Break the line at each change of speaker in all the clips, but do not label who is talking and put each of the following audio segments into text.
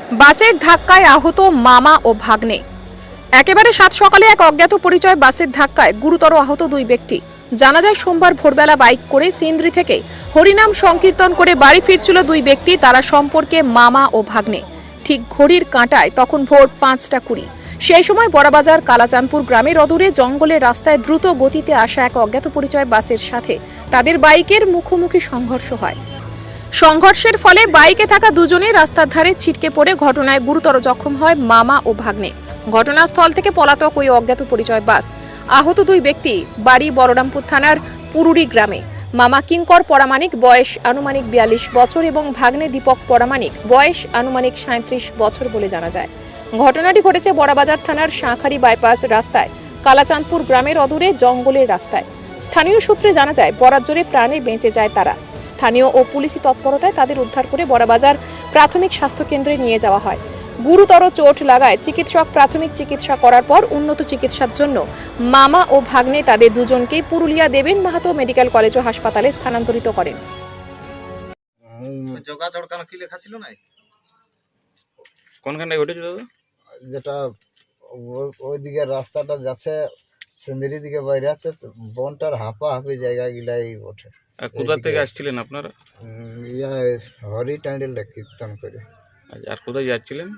বাসের ধাক্কায় আহত মামা ও ভাগ্নে। একেবারে সাত সকালে এক অজ্ঞাত পরিচয় বাসের ধাক্কায় গুরুতর আহত দুই ব্যক্তি। জানা যায় সোমবার ভোরবেলা বাইক করে সিন্দ্রি থেকে হরিনাম সংকীর্তন করে বাড়ি ফিরছিল দুই ব্যক্তি। তারা সম্পর্কে মামা ও ভাগ্নে। ঠিক ঘড়ির কাঁটায় তখন ভোর 5:20। সেই সময় বড়বাজার কালাচাঁদপুর গ্রামের অদূরে জঙ্গলের রাস্তায় দ্রুত গতিতে আসা এক অজ্ঞাত পরিচয় বাসের সাথে তাদের বাইকের মুখোমুখি সংঘর্ষ হয়। সংঘর্ষের ফলে বাইকে থাকা দুজনে রাস্তার ধারে ছিটকে পড়ে ঘটনায় গুরুতর জখম হয় মামা ও ভাগ্নে। ঘটনাস্থল থেকে পলাতক ওই অজ্ঞাত পরিচয় বাস। আহত দুই ব্যক্তি বাড়ি বলরামপুর থানার পুরুরি গ্রামে। মামা কিঙ্কর পরামানিক, বয়স আনুমানিক 42 বছর এবং ভাগ্নে দীপক পরামানিক, বয়স আনুমানিক 37 বছর বলে জানা যায়। ঘটনাটি ঘটেছে বড়বাজার থানার শাঁখারি বাইপাস রাস্তায় কালাচাঁদপুর গ্রামের অদূরে জঙ্গলের রাস্তায়। স্থানীয় সূত্রে জানা যায় বরাজ্জোরে প্রাণে বেঁচে যায় তারা। স্থানীয় ও পুলিশি তৎপরতায় তাদের উদ্ধার করে বড়বাজার প্রাথমিক স্বাস্থ্য কেন্দ্রে নিয়ে যাওয়া হয়। গুরুতর চোট লাগায় চিকিৎসক প্রাথমিক চিকিৎসা করার পর উন্নত চিকিৎসার জন্য মামা ও ভাগ্নে তাদের দুজনকেই পুরুলিয়া দেবেন মাহাতো মেডিকেল কলেজ ও হাসপাতালে স্থানান্তরিত করেন।
কোনখানটায় ঘটেছে দাদা?
যেটা ওইদিকে রাস্তাটা যাচ্ছে সিন্দিরি দিকে বাইরে আছে, বনটার হাঁপাহাঁপি জায়গা গিলাই ওঠে।
আর কোথা থেকে আসছিলেন আপনারা?
হরি টাইডেলটা কীর্তন করে।
আর কোথায় যাচ্ছিলেন?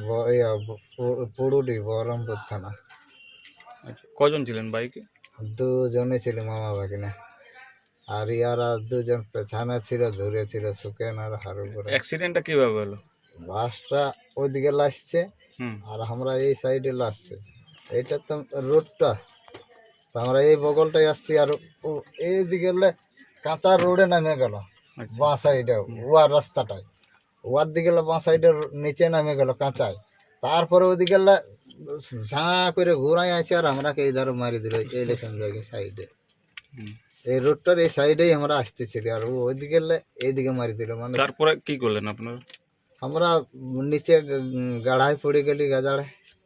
পুরুলি বহরমপুর থানা।
আচ্ছা, কজন ছিলেন বাইকে?
দুজনে ছিল মামা ভাগিনা, আর ইয়ারা দুজন পেছানে ছিল, ধরে ছিল সুকেন আর হারু করে।
অ্যাক্সিডেন্টটা কিভাবে হলো?
বাসটা ওইদিকে লাসছে আর আমরা এই সাইডে লাসছে। এইটা তো রোডটা, তো আমরা এই বগলটাই আসছি, আর এইদিকে কাঁচা রোডে নামে গেল বাঁ সাইডে, ওয়ার রাস্তাটায় ওয়ার দিকে বাঁ সাইডের নিচে নামে গেল কাঁচায়। তারপরে ওইদিকে ঝাঁ করে ঘুরাই আছে আর আমরাকে এই ধারে মারি দিল এইরকম জায়গায় সাইডে। এই রোডটার এই সাইডেই আমরা আসতেছিল, আর ওইদিকে এইদিকে মারি দিল। মানে
তারপরে কি করলেন আপনারা?
আমরা নিচে গাড়ায় পড়ে গেলি গাজাড়ে।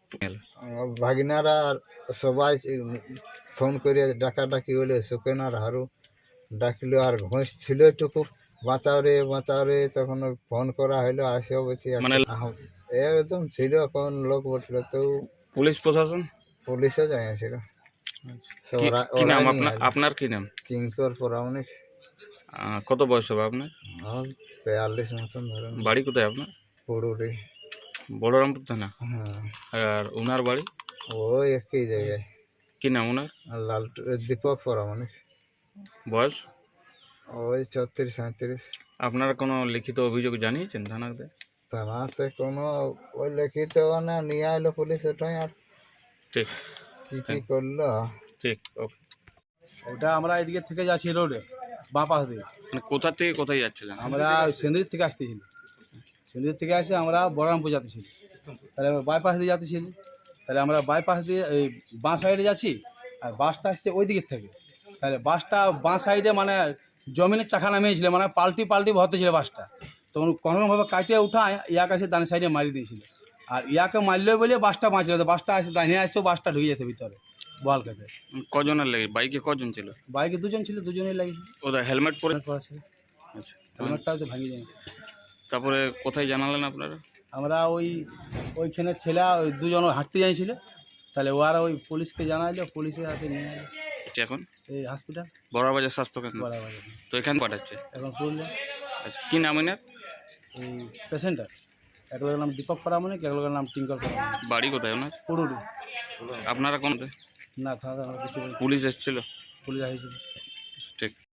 ভাগিনারা আর সবাই ফোন করে ডাকাডাকি হলে সুকেন আর হারু ডাকলো, আর ঘোষ ছিল একটুকু বাঁচাও রে। তখন ফোন করা হলো, আসে বলছি
মানে
একদম ছিল কোন লোক বসলো, তো
পুলিশ প্রশাসন
পুলিশও জানিয়েছিল।
কি নাম আপনার? কি নাম?
কিঙ্কর পরামানিক।
কত বয়স হবে আপনার?
42 মতন ধরেন।
বাড়ি কোথায় আপনার?
পুরুলি
বলরামপুর থানা।
হ্যাঁ।
আর ওনার বাড়ি?
ওই একই জায়গায়।
কি নাম ওনার?
দীপক পরামানিক।
বয়স?
ওই 34-37।
আপনারা কোনো লিখিত অভিযোগ জানিয়েছেন থানাতে?
থানাতে কোনো ওই লিখিত না নিয়ে এলো পুলিশ, ওটাই আর
ঠিক
কি করলো।
ঠিক, ওকে।
ওটা আমরা এদিকে থেকে যাচ্ছি রোডে বাঁ পাশ দিয়ে।
মানে কোথা থেকে কোথায় যাচ্ছিলেন?
আমরা সিন্দির থেকে আসতেছিলি, সিন্দির থেকে আসে আমরা বহরমপুর যাতেছিলি, তাহলে বাইপাস দিয়ে যাতেছিলি। তাহলে আমরা বাইপাস দিয়ে এই বাঁ সাইডে যাচ্ছি, আর বাসটা আসছে ওই দিকের থেকে। তাহলে বাসটা বাঁ সাইডে মানে জমিনের চাকা নামিয়েছিল, মানে পাল্টি ভরতে ছিল বাসটা। তখন কোনোভাবে কাটিয়ে উঠা ইয়াক আসে ডান সাইডে মারি দিয়েছিল, আর ইয়াকে মারলে বলে বাসটা বাঁচল। বাসটা আসে দাঁড়িয়ে আসছে, বাসটা ঢুকে যেতে ভিতরে বল খেতে।
কজনের লেগে? বাইকে কজন ছিল?
বাইকে দুজন ছিল, দুজনেই লাগিয়েছিল।
ওদের হেলমেট পরে?
ছিল
আচ্ছা,
হেলমেটটাও তো ভাঙিয়ে যায়।
তারপরে কোথায় জানালেন আপনারা?
আমরা ওইখানে ছেলে ওই দুজন হাঁটতে যাইছিল, তাহলে ওরা ওই পুলিশকে জানাইলো, পুলিশে আসে নিয়ে এলো
এখন
এই হসপিটাল
বড়বাজার স্বাস্থ্য কেন্দ্র।
বড়বাজার
তো এখানে পাঠাচ্ছে
এখন পুরুলিয়া।
আচ্ছা, কি নাম এনার?
এই পেশেন্টার এক লোকের নাম দীপক পরামানিক, এক লোকের নাম টিঙ্কর পরামানিক।
বাড়ি কোথায় ওনার?
পুরুলি।
আপনারা কোন?
না থাকা কিছু
পুলিশ এসেছিল?
পুলিশ আসছিল।
ঠিক।